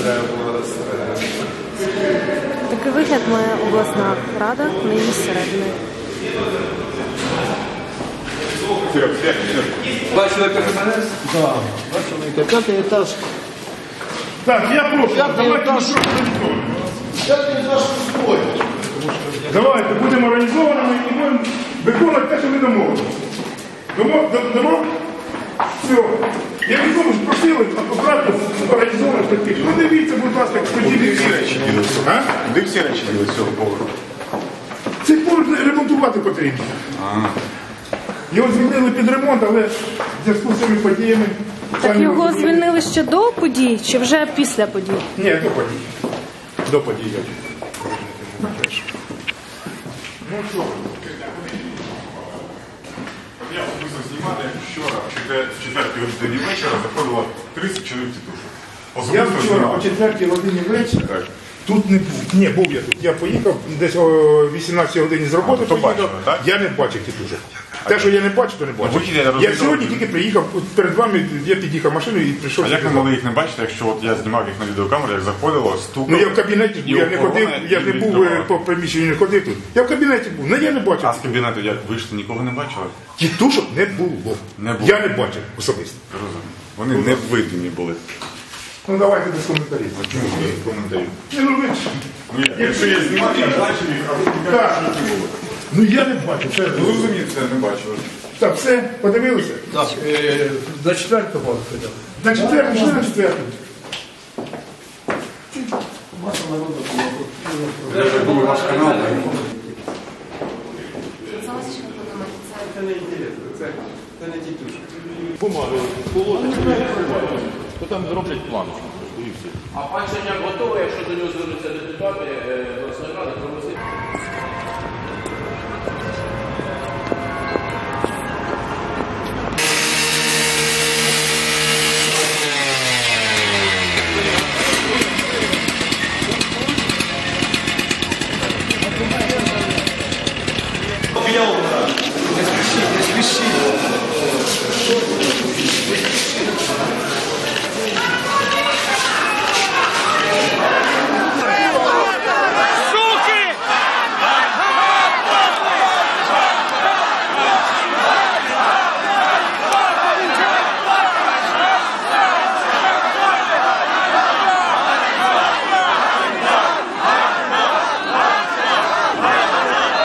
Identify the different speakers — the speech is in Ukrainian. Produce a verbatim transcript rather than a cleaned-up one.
Speaker 1: треба було
Speaker 2: Такий вигляд має обласна рада нині зсередини.
Speaker 1: Бачили персонаж?
Speaker 3: Так, бачили, п'ятий етаж.
Speaker 4: Так, я прошу, давайте ми що
Speaker 3: П'ятий етаж пустой.
Speaker 4: Давайте будемо організованими і будемо виконувати те, що ми домовилися. Домо? Домо? Все. Я відомо ж просили акуратно організованих таких. Ну дивіться, будь ласка,
Speaker 5: Куди всі речі діли цього?
Speaker 4: А?
Speaker 5: Куди всі речі діли цього поверху?
Speaker 4: Цей поруч ремонтувати потрібно. Його звільнили під ремонт, але в зв'язку з цими подіями...
Speaker 2: Так його звільнили ще до подій чи вже після подій?
Speaker 4: Ні, до подій. До подій. Ну що?
Speaker 5: Я особисто знімати, як вчора, в четвертій годині вечора заходило тридцять чоловік тітушок.
Speaker 4: Я
Speaker 5: Особисто
Speaker 4: вчора о
Speaker 5: знімав.
Speaker 4: четвертій годині вечора
Speaker 5: Так.
Speaker 4: тут не був. Ні, був я тут. Я поїхав десь о вісімнадцятій годині з роботи.
Speaker 5: А, то
Speaker 4: поїхав.
Speaker 5: бачили, так?
Speaker 4: Я не бачив тітушок. Те, що я не бачив, то не бачив.
Speaker 5: вихід я
Speaker 4: Я
Speaker 5: розумію.
Speaker 4: сьогодні тільки приїхав, от перед вами я під'їхав машиною і прийшов.
Speaker 5: А як ви
Speaker 4: сюди.
Speaker 5: могли їх не бачити, якщо от я знімав їх на відеокамеру, як заходило, стукало?
Speaker 4: Ну я в кабінеті ж
Speaker 5: І
Speaker 4: був, я не
Speaker 5: охорона,
Speaker 4: ходив, я
Speaker 5: і
Speaker 4: не був
Speaker 5: відкривала.
Speaker 4: е, по приміщенню, не ходив тут. Я в кабінеті був, ну я не бачив.
Speaker 5: А з кабінету як вийшли, нікого не бачили?
Speaker 4: Тітушок не було.
Speaker 5: Не було.
Speaker 4: Я не бачив особисто.
Speaker 5: Розумію. Вони не видимі були.
Speaker 4: Ну давайте без коментарів.
Speaker 5: Чому без коментарів?
Speaker 4: Ні, ну ви ж-
Speaker 5: Ні, якщо я знімав, я бачив їх, а ви
Speaker 4: Так. Ну я не бачив. Це...
Speaker 5: Ну, розумію, це не бачили.
Speaker 4: Так, все, подивилися?
Speaker 3: Так, е, до четвертого ходили.
Speaker 4: На четверту, що на четверту?
Speaker 5: Це був ваш канал.
Speaker 6: Бумаги положення, то там зроблять план.
Speaker 7: А пан Черняк готовий, якщо до нього звернуться депутати, обласної ради, проголосити?